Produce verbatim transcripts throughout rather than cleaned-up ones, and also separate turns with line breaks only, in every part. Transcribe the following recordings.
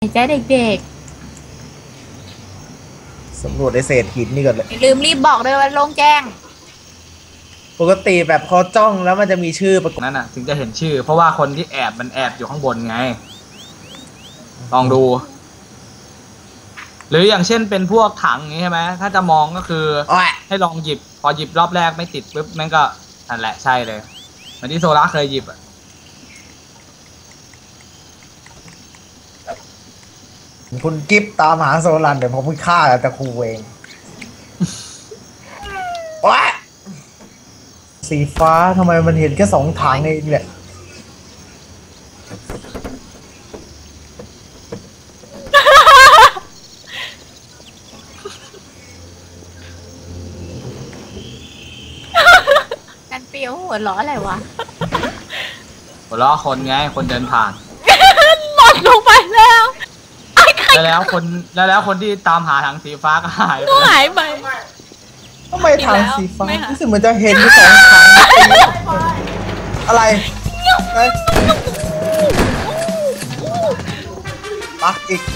ใจเด็ก
ๆสำรวจในเศษหินนี่ก่อนเลย
ลืมรีบบอกเลยว่าโล่งแจ้ง
ปกติแบบพอจ้องแล้วมันจะมีชื่อประกอบ
นั่นน่ะถึงจะเห็นชื่อเพราะว่าคนที่แอบมันแอบอยู่ข้างบนไงลองดูหรืออย่างเช่นเป็นพวกถังอย่างนี้ใช่ไหมถ้าจะมองก็คือให้ลองหยิบพอหยิบรอบแรกไม่ติดปุ๊บมันก็นั่นแหละใช่เลยเหมือนที่โซล่าเคยหยิบอ่ะ
คุณกิฟต์ตามหาโซลันเดี๋ยวผมเพิ่งฆ่าแต่ครูเองว้าสีฟ้าทำไมมันเห็นแค่สองถังเองเนี่ย
กันเปียวหัวล้ออะไรวะ
หัวล้อคนไงคนเดินผ่าน
หล่นลงไปแล้ว
แล้วแล้วคนแล้วแล้วคนที่ตามหาถังสีฟ้าก็หาย
ก็หายไป
ทำไมถังสีฟ้ารู้สึกเหมือนจะเห็นอยู่สองถังอะไรปักอีก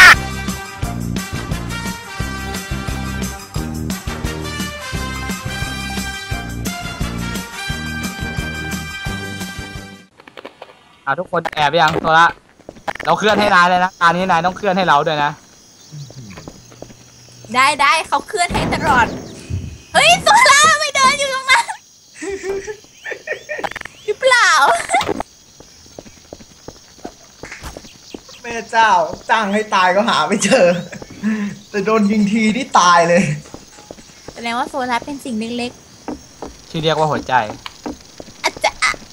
อ่ะทุกคนแอบไปยังโซล่าเราเคลื่อนให้นายเลยนะการนี้นายต้องเคลื่อนให้เราด้วยนะ
ได้ได้เขาเคลื่อนให้ตลอดเฮ้ยโซล่าไม่เดินอยู่ตรงนั้นหรือเปล่า
แม่เจ้าจ้างให้ตายก็หาไม่เจอแต่โดนยิงทีที่ตายเลย
แสดงว่าโซล่าเป็นสิ่งเล็ก
ๆที่เรียกว่าหัวใจ
อาจจะ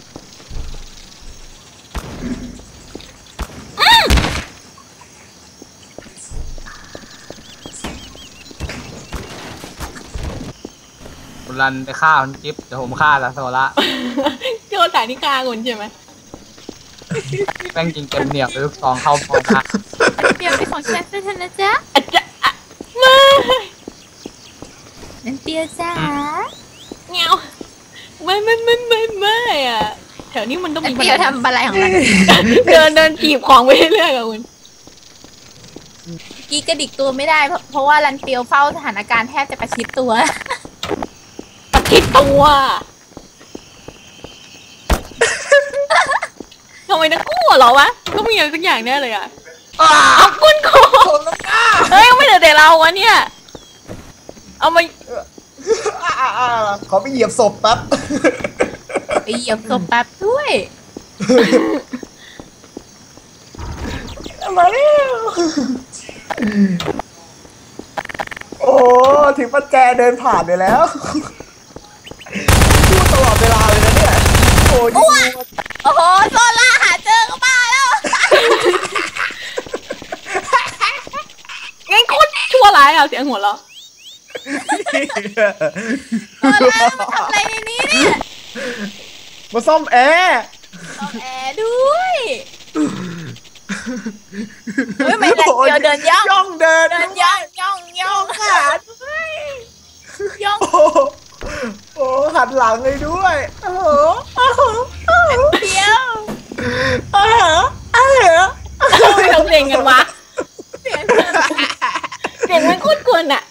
รันไปฆ่าคุณกิฟต์เดี๋ยวผมฆ่าแล้วโซล่า
โยนสายนิกาคุณใช่ไหม
แม่งจริงเต็มเหนียวลูกซองเข้าพอค่ะ
เปียวเป็นของฉันเป็นทันนะจ๊ะอาจจะไม่นั่นเปียวจ้าเงี้ยวไม่ไม่ไม่ไม่ไม่อะแถวนี้มันต้องมีเปียวทำอะไรของมันเดินเดินจีบของไปเรื่อยๆกับคุณกี้กระดิกตัวไม่ได้เพราะเพราะว่ารันเปียวเฝ้าสถานการณ์แทบจะประชิดตัวคิดตัวทำไมนักกู้เหรอวะก็มีอะไรสักอย่างแน่เลยอ่ะเอาคุณโคเฮ้ยไม่เหลือแต่เราวะเนี่ยเอามา
ขอไปเหยียบศพแป๊บ
ไปเหยียบศพแป๊บด้วย
มาแล้วโอ้ถึงปัจแจเดินผ่านไปแล้วพูดตลอดเวลาเลยนะเนี่ยโอ้ย
โอ้โหโซล่าหาเจอก็บ้าแล้วงั้นคุณชั่วร้ายอ่ะเสียงหัวเราะโซล่ามาทำอะไรในนี้เนี่ย
มาซ่อมแอร์
ซ่อมแอร์ด้วยเฮ้ยไม่เดียวเดินย่อง
ย่องเดิน
เดินย่องย่องย่องค่ะย่อง
โอ้หันหลังเลยด้วยโอ้โห
เดียว
เออเออ
ไม่ทำเสียงกันวะเสียงเสียงมันคุ้นคุ้นอ่ะ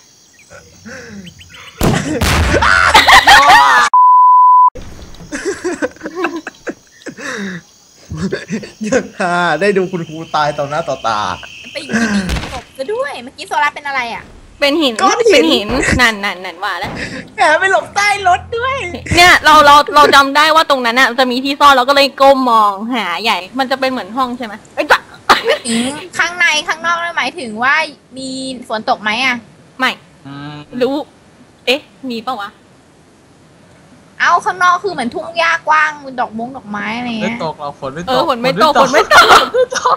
ยังฮาได้ดูคุณครูตายต่อหน้าต่อตา
ไปยิงศพซะด้วยเมื่อกี้โซล่าเป็นอะไรอ่ะ
เป็นหินเป็นหินนั่นนั่นนั่นว่าแล้ว
แอบไปหลบใต้รถด้วย
เนี่ยเราเราเราจำได้ว่าตรงนั้นอ่ะจะมีที่ซ่อนเราก็เลยก้มมองหาใหญ่มันจะเป็นเหมือนห้องใช่ไหมไอ้จ้ะ
ข้างในข้างนอกหมายถึงว่ามีฝนตกไหมอ่ะ
ไม่รู้เอ๊ะมีปะวะ
เอาข้างนอกคือเหมือนทุ่งหญ้ากว้างมีดอกมงดอกไม้อะไรเงี้ย
ไม่ตกเราฝนไม่ตก
เออฝนไม่ตกฝนไม่ตก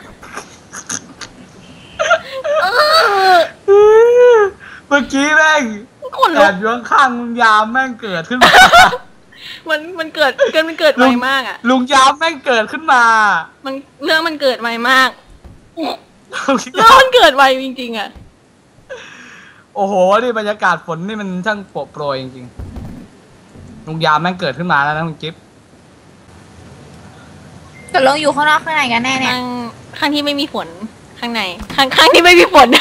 เมื่อกี้แม่งแอบอยู่ข้างลุงยามแม่งเกิดขึ้นมา
มันมันเกิดเกิดมันเกิดไวมากอ่ะ
ลุงยามแม่งเกิดขึ้นมา
มันเรื่องมันเกิดไวมากเรื่องมันเกิดไวจริงๆอ่ะ
โอ้โหนี่บรรยากาศฝนนี่มันช่างโปรยโปรยจริงๆลุงยามแม่งเกิดขึ้นมาแล้วนะคุณกิฟต์
ตกลงอยู่ข้างนอกข้างในกันแน่เนี่ย
ข้างที่ไม่มีฝนข้างในข้างข้างที่ไม่มีฝน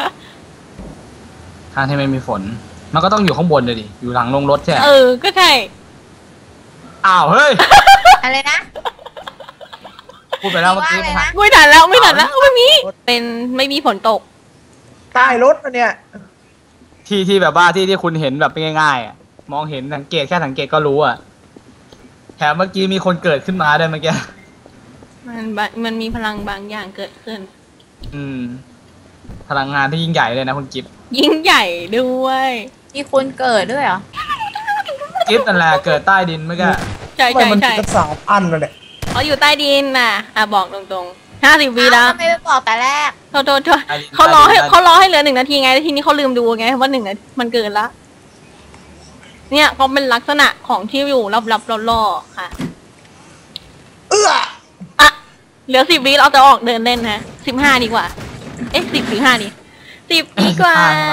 ข้างที่ไม่มีฝนมันก็ต้องอยู่ข้างบนเลยดิอยู่หลังลงรถใช่ไหม
เออก็ใช่
อ้าวเฮ้ย
อะไรนะ
พูดไปแล้วเมื่อกี้
ว่าอะไรนะ
ไม่ทันแล้วไม่ทันแล้วไม่มีเป็นไม่มีฝนตก
ใต้รถนะเนี่ย
ที่ที่แบบว่าที่ที่คุณเห็นแบบง่ายๆอ่ะมองเห็นสังเกตแค่สังเกตก็รู้อ่ะแถมเมื่อกี้มีคนเกิดขึ้นมาด้วยเมื่อกี้
มันบะมันมีพลังบางอย่างเกิดขึ้น
อืมพลังงานที่ยิ่งใหญ่เลยนะคุณกิฟต์
ยิ่งใหญ่ด้วย
มีคนเกิดด้วยเหรอ
กิฟต์นั่นแหละเกิดใต้ดินเมื่อกี้
ใช่
ทำไม
ใช่
มัน
ใช่
กระสามอันเลยเนี่ย
เขาอยู่ใต้ดินน่ะอ่ะบอกตรงๆห้าสิบวิแล้ว
ทำไมไม่บอกแต่แรก
โทษโทษโทษเขารอให้เขารอให้เหลือหนึ่งนาทีไงแล้วทีนี้เขาลืมดูไงว่าหนึ่งนาทีมันเกินละเนี่ยเขาเป็นลักษณะของที่อยู่รับๆล่อๆค่ะ
เอื้อ
อ่ะเหลือสิบวิเราจะออกเดินเล่นนะสิบห้าดีกว่า เอ๊ะสิบหรือห้าดีสิบดีกว่า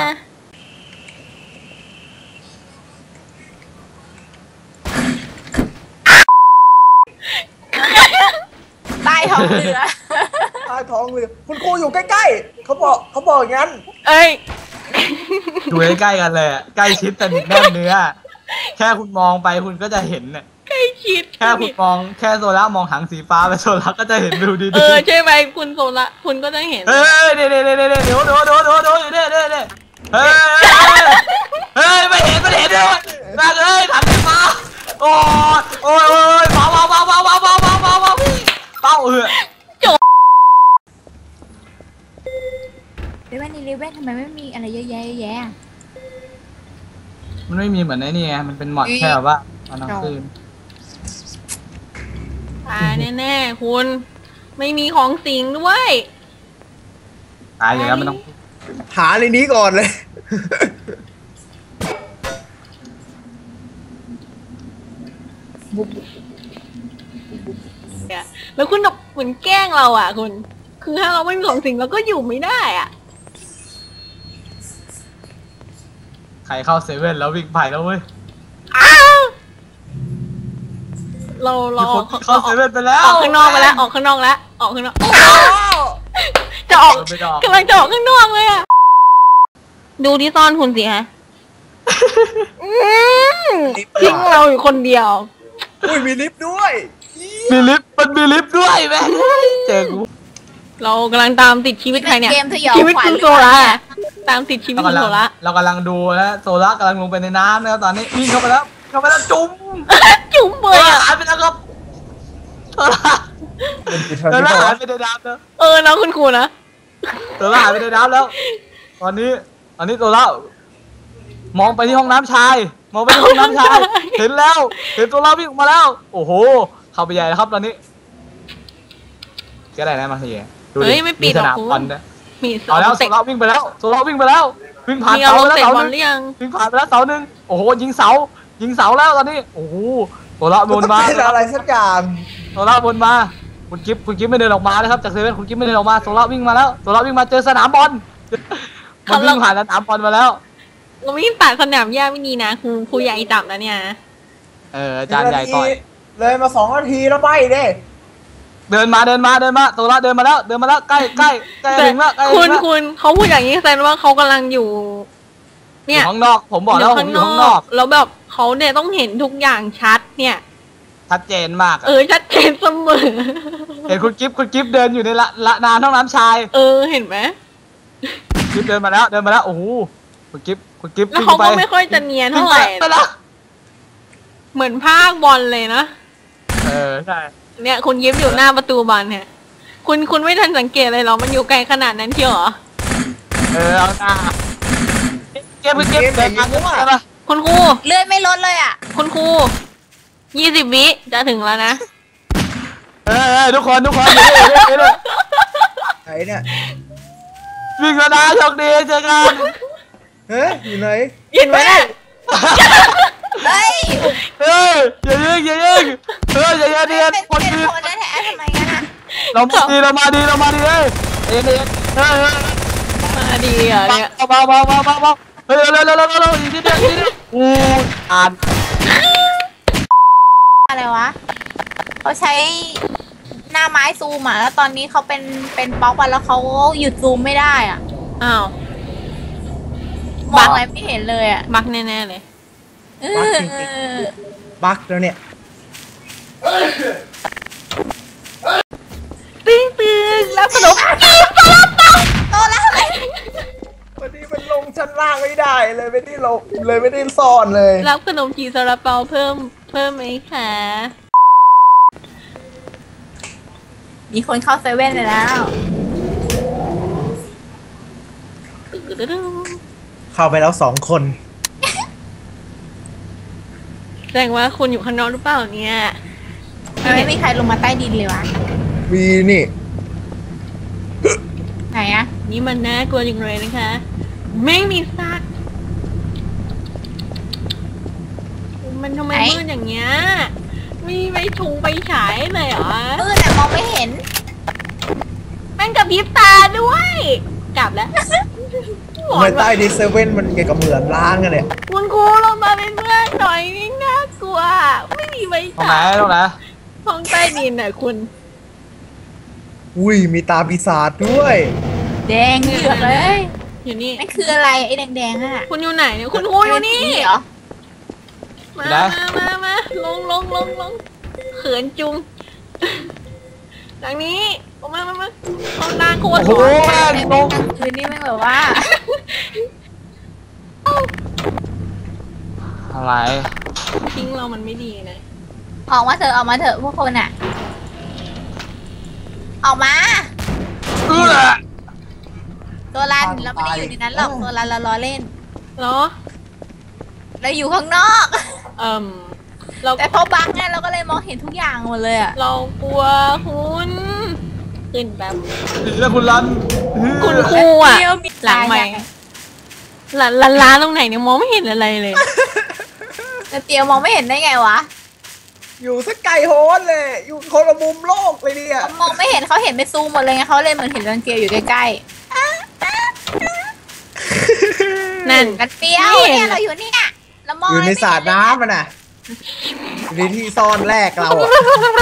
ใต้ท้องเรือ
ใต้ท้องเรือคุณครูอยู่ใกล้ๆเขาบอกเขาบอกอย่างนั้น
เอ้ย
อยู่ใกล้ๆกันเลยอะใกล้ชิดแต่นิดแน่นเนื้อแค่คุณมองไปคุณก็จะเห็นเนี่ย
ใกล้ชิด
แค่คุณมองแค่โซล่ามองหางสีฟ้าไปโซล่าก็จะเห็นวิวดีๆ
เออใช่ไหมคุณโซละคุณก็จะเห็น
เฮ้ยเดี๋ยวเดี๋ยวเดี๋ยวเดี๋ยวเดี๋ยวเดี๋ยวเดี๋ยวเดี๋ยวเดี๋ยวอยู่เดี๋ยวเดี๋ยวเดี๋ยวเฮ้ยเฮ้ยไม่เห็นไม่เห็นเลยนั่นเลยถังสีฟ้าโอ้ยโอ้ยโอ้ยเบาเบาเบาเบาเบาเบาเบาเบาเบาเบาเออ
เรเว่นนี่เรเว่นทำไมไม่มีอะไรเยอะแยะเยอะแยะ
มันไม่มีเหมือนไอ้นี่ไงมันเป็นหมอดแค่แบบว่าตอนกลางคืน
ตายแน่ๆคุณ ไม่มีของสิงด้วย
ตายอยู่แล้วมันต้อง
หาในนี้ก่อนเลย
แล้วคุณแบบเหมือนแกล้งเราอ่ะคุณ คือถ้าเราไม่มีของสิงเราก็อยู่ไม่ได้อ่ะ
ใครเข้าเซเว่นแล้ววิ่งไปแล้วเว้ย
อ้าวเราเรา
มี
อ
ค
อน ก
เข้าเซเว่นไปแล้ว
ออกข้างนอกไปแล้ว ออกข้างนอกแล้ว ออกข้างนอก จะออก
เออไม่ได้ออก
กำลังจะออกข้างนอกเลยอ่ะ ดูที่ซ่อนคุณสิฮะอืมทิ้งเราอยู่คนเดียว
อุ้ยมีลิฟต์ด้วย
มีลิฟต์มันมีลิฟต์ด้วยแม่งเจอกู
เรากำลังตามติดชีวิตใครเนี่ย
เกมสยอง
ชีวิต
ขวัญ
คุณ
หรือ
โซ
เป
ล่า
ล่าเนี่ย
ตามติดชีวิต
เรา
คุณ
กำลั
โซ
ง
ล่า
เรากำลังดูนะโซล่ากำลังลงไปในน้ำนะครับตอนนี้วิ่งเข้าไปแล้วเข้าไปแล้วจุ๊บ
จุ๋มเบ
เฮ้
ย
ย
อะ
หายไปแล้วครับโซล่า
เป็นกิจ
โซ
กรรม
ล่า
ที่
หา
ว่าย
ไปในน้ำแล้ว
เออนะคุณครูนะ
โซล่าหายไปในน้ำแล้ว ตอนนี้ตอนนี้โซล่ามองไปที่ห้องน้ำชายมองไปที่ห้องน้ำชายเห็นแล้วเห็นโซล่าวิ่งออกมาแล้ว โอ้โหเข้าไปใหญ่แล้วครับตอนนี้ก็ได้นะมาสิดูดิ
เฮ้ยไม่ปิดหรอก
สนาม
คุณ
บอลด้วย
มี
เอาแล้วโซ
เตะ
ล่าวิ่งไปแล้วโซล่าวิ่งไปแล้ววิ่งผ่าน
มี
เสา
เอา
ไปแล้ว
เตะ
เสา
บ
ห
อล
นึ่ง
หรือยัง
วิ่งผ่านไปแล้วเสาหนึ่งโอ้โหยิงเสายิงเสาแล้วตอนนี้โอ้โหโซล่าบนมา
เป็นอะไรสักอย่าง
โซล่าบนมาคุณกิฟคุณกิฟไม่เดินออกมานะครับจากเซเว่นคุณกิฟไม่เดินออกมาโซล่าวิ่งมาแล้วโซล่าวิ่งมาเจอสนามบอลมันวิ่งผ่านสนามบอลมาแล้ว
เราวิ่งตัดสนามหญ้าไม่ดีนะครูครูใหญ่จับนะเนี่ย
เอออาจารย์ใหญ่ต่อย
เลยมาสองนาทีแล้วไม่เด้
เดินมาเดินมาเดินมาโซล่าเดินมาแล้วเดินมาแล้วใกล้ใกล้ใกล้
แต่
ถึงแล้วใกล้
คุ
ถึ
ณ
งแล้ว
คุณเขาพูดอย่างนี้แสดงว่าเขากำลังอยู่
อ
เนี่ย
ยู่ข้างนอกผมบอกแล้วผมอยู่ข้างนอก
แล้วแบบเขาเนี่ยต้องเห็นทุกอย่างชัดเนี่ย
ชัดเจนมากอะ
เออชัดเจนเสมอ
เห็นคุณกิฟคุณกิฟเดินอยู่ในละละนานห้องน้ำชาย
เออเห็นไหม
กิฟเดินมาแล้วเดินมาแล้วโอ้โหคุณกิฟคุณกิฟ
แล้ว
วิ่ง
เขา
ไป
ก็ไม่ค่อยจะเนียน
วิ่ง
เท่าไห
ไป
ร่
ไปแล้ว
เหมือนภาคบอลเลยนะ
เออใช่
เนี่ยคุณยิ้มอยู่หน้าประตูบอลเนี่ย คุณคุณไม่ทันสังเกตเลยเหรอมันอยู่ไกลขนาดนั้นเชียวเหรอ
เออเอาหน้าเก็บเก็บเดินมาเก็บมา
คุณครู
เลื่อนไม่ลดเลยอ่ะ
คุณครูยี่สิบวิจะถึงแล้วนะ
เออทุกคนทุกคนอยู่นี่อยู่นี่
ไหนเนี่ย
วิ่งแล้วนะโชคดีเจอกัน
เฮ้ยอยู่ไหน
เห็นไหมเนี่ย
เฮ้ย
เฮ้ยอย่ายิงอย่ายิงเฮ้ยอย่าอย่าเดียน
เป็น
คน
เป็น
ดี
คนแท้ๆทำไมกันอ่ะ
เรามาดีเรามาดีเรามาดีเฮ้ยเอ็นเอ็นเฮ้ย
มาดีเหรอเนี่ย
เบาเบาเบาเบาเบาเฮ้ยเร็วเร็วเร็วเร็วอีกนิดเดียวอีกนิดเดียวอู้อ่าน
อะไรวะเขาใช้หน้าน้าไม้ซูมอ่ะแล้วตอนนี้เขาเป็นเป็นบล็อกไปแล้วเขาหยุดซูมไม่ได้อ่ะ
อ้าว
มองอะไรไม่เห็นเลยอ่ะ
บักแน่ๆเลย
เอ
บั๊ก
อ
จริงๆบั๊กแล้วเนี่ย
ตึ้งตึ้งแล้วขนม
โตแล้วอะไร
วันนี้มันลงชั้นล่างไม่ได้เลยไม่ได้ลงเลยไม่ได้ซ่อนเลย
รับขนมจีซาลาเปาเพิ่มเพิ่มไหมคะ
มีคนเข้าเซเว่นเลยแล้ว
เข้าไปแล้วสองคน
แสดงว่าคุณอยู่ข้างนอกหรือเปล่าเนี่ย
ไม่มีใครลงมาใต้ดินเลยวะ
วีนี่
ไหนอะ
นี่มันน่ากลัวจริงเลยนะคะ ไม่มีซากมันทำไมมืดอย่างเงี้ยมีไฟชูไฟฉายเลยเหรอ
มืดแต่มองไม่เห็น
แม่งกับพริบตาด้วย กลับแล้ว
ทำไมใต้ดิสเซเว่นมันเกี่ยวกับเหมือนล้างกันเนี่ย
คุณครูลงมาเป็นเพื่อนหน่อยนี่น่ากลัว ไม่มีไฟ
ตรงไหน
ฉาย
ตรงไหน
ห้องใต้ดินน่ะคุณ
อุ้ยมีตาปีศาจด้วย
แดงเหลือกเลย
อยู่นี่
นั่นคืออะไรไอ้แดงๆอ่ะ
คุณอยู่ไหนเนี่ยคุณครูอยู่นี่
เหรอ
มามามามาลงลงลงลงเขินจุงทางนี้ออกมามามาเขาหน้าโคตร
โอ้โห
หล่อ
แม่ง
แต่
ล
แม่ง
ง
กลางคืนนี่แม่งแบบว่า
อะไร
ทิ้งเรามันไม่ดีนะ
ออกมาเถอะออกมาเถอะพวกคนอ่ะ ออกมา
เออ
ตัวรันเราไม่ได้อยู่ในนั้นหรอกตัวรันเราล้อเล่น
เหรอ
เราอยู่ข้างนอก
เอ่มเรา
แต่พอบังไงเราก็เลยมองเห็นทุกอย่างหมดเลยอ่ะ
เรากลัวคุณขึ้นแบบ
แล้วคุณรัน
คุณครูอ่ะ
เดี๋ยวมี
หลังใหม่หลังร้านร้านตรงไหนเนี่ยมองไม่เห็นอะไรเลย
แต่เตียวมองไม่เห็นได้ไงวะ
อยู่สักไกลโฮนเลย อยู่คนละมุมโลกเลยเนี่ย
เขามองไม่เห็นเขาเห็นเป็นซูมหมดเลยไงเขาเลยเหมือนเห็นรันเตียวอยู่ใกล้
นั่น
ๆกันเปียว
ไม่เห็น
เนี่ยเราอยู่เนี่ยเรามอง
อยู่ใน
ไม่
สระ
เห็นเลย
น้ำมันน่ะอยู่ในที่ซ่อนแรกเราอะ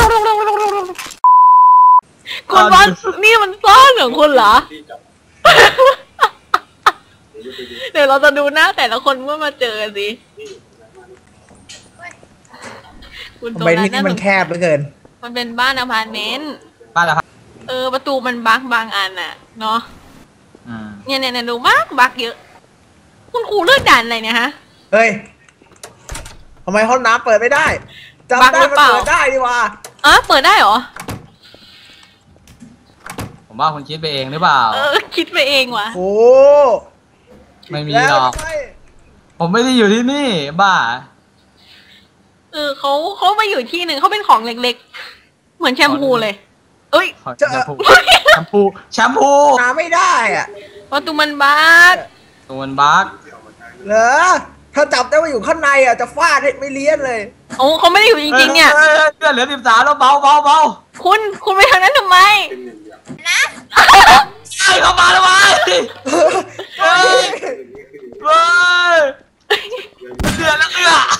คุณว่านี่มันซ่อนของคุณเหรอ เดี๋ยวเราจะดูหน้าแต่ละคนเมื่อมาเจอสิคุณ
ทำไมที่นี่มันแคบเหลือเกิน
มันเป็นบ้านอพาร์ตเมนต์
บ้านอะไรครับ
เออประตูมันบักบางอันน่ะเนาะ
อืม
เนี่ยเนี่ยเนี่ยดูบักบักเยอะ คุณครูเลือกด่านอะไรเนี่ยฮะ
เฮ้ยทำไมห้องน้ำเปิดไม่ได้จำ
บั๊ก
ได้
หรือ
มัน
เปล่า
เปิดได้ดีว่า
อ๋อเปิดได้เหรอ
ผมว่าคุณคิดไปเองหรือเปล่า
เออคิดไปเองว่ะ
โอ้
ไม่มี
แล้ว
หรอก
ทำไม
ผมไม่ได้อยู่ที่นี่ บ้า
เออเขาเขามาอยู่ที่หนึ่งเขาเป็นของเล็กๆ เหมือนแชมพูเลย เอ้ย
แชมพูแชมพูแชมพู
น้ำไม่ได้อะ
ประตูมันบัก
ตัวมันบั๊ก
เหรอถ้าจับได้ว่าอยู่ข้างในอ่ะจะฟาดให้ไม่เลี้ยนเลย
โอ้เขาไม่ได้อยู่จริงๆเนี่ย
เลือดเหลือสิบสามแล้วเบาเบาเบา
คุณคุณไปทางนั้นทำไม
ใช่เข้ามาแล้ววะเฮ้ยเฮ้ยเดือดแล้วเดือด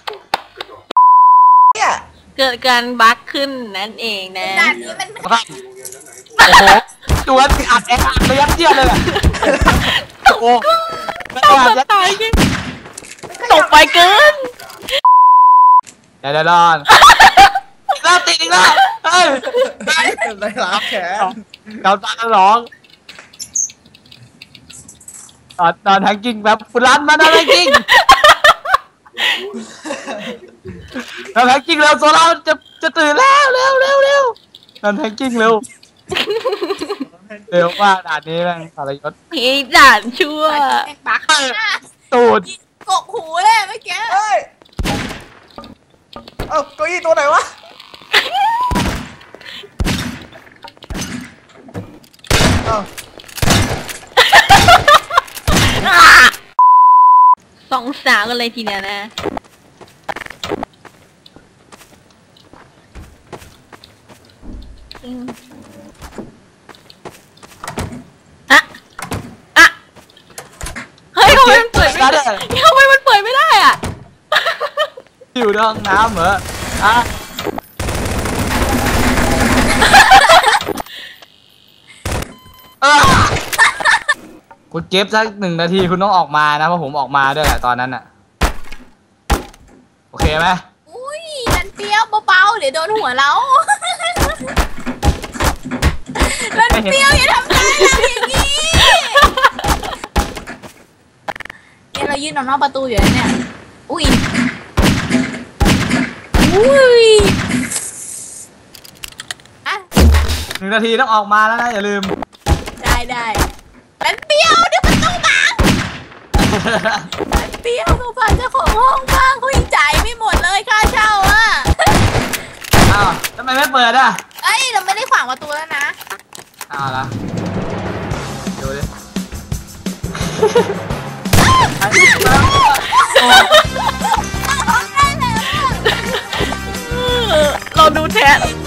เนี่ย
เกิดการบักขึ้นนั่นเองนะ
ด่านนี้มัน
โอ้โหตัวติดอัดแออัดเลยยัดเยียดเลยอะโอ้โห
ต้องจะตายจริงตกไปเกิน
เดี๋ยวเดี๋ยวรอนอีกแล้วติดอีกแล้วเฮ้ย
อะไรล้างแขน
เราตาร้องตอนตอนแทงกิ้งแบบฟุลันมานะแทงกิ้งเราแทงกิ้งเร็วโซล่าจะจะตื่นแล้วเร็วเร็วเร็วตอนแทงกิ้งเร็วเร็วมากด่านนี้แม่งสารยศ
พี่ด่านชั่ว
แม่งบัก
ตูด
กกหูเลยเมื่อกี้
เฮ้ยเอ้าเก้าอี้ตัวไหนวะเอ้า
สองสาวกันเลยทีเดียวนะอืมอะอะเฮ้ยทำไมมันเปิดไม่ได้ทำไมมันเปิดไม่ได้อ่ะ
อยู่ในห้องน้ำเหรออ่ะคุณเก็บสักหนึ่งนาทีคุณต้องออกมานะเพราะผมออกมาด้วยแหละตอนนั้นอะโอเคไหม
อุ้ยนันเปรี้ยวเบาๆเดี๋ยวโดนหัวเรานันเปรี้ยวอย่าทำร้ายเราอย่างนี้เนี่ยเรายืนนอกประตูอยู่เนี่ยอุ้ยอุ้ยอ่ะ
หนึ่งนาทีต้องออกมาแล้วนะอย่าลืม
ได้ได้นันเปรี้ยวเดี๋ยวประตูบังนันเปรี้ยวเขาพาเจ้าของห้องบ้างเขายังจ่ายไม่หมดเลยค่าเช่าอ่ะ
อ้าวทำไมไม่เปิดอ่ะ
เอ้ยเราไม่ได้ขวางประตูแล้วนะ
อ้าวละดูดิ
เราดูแท้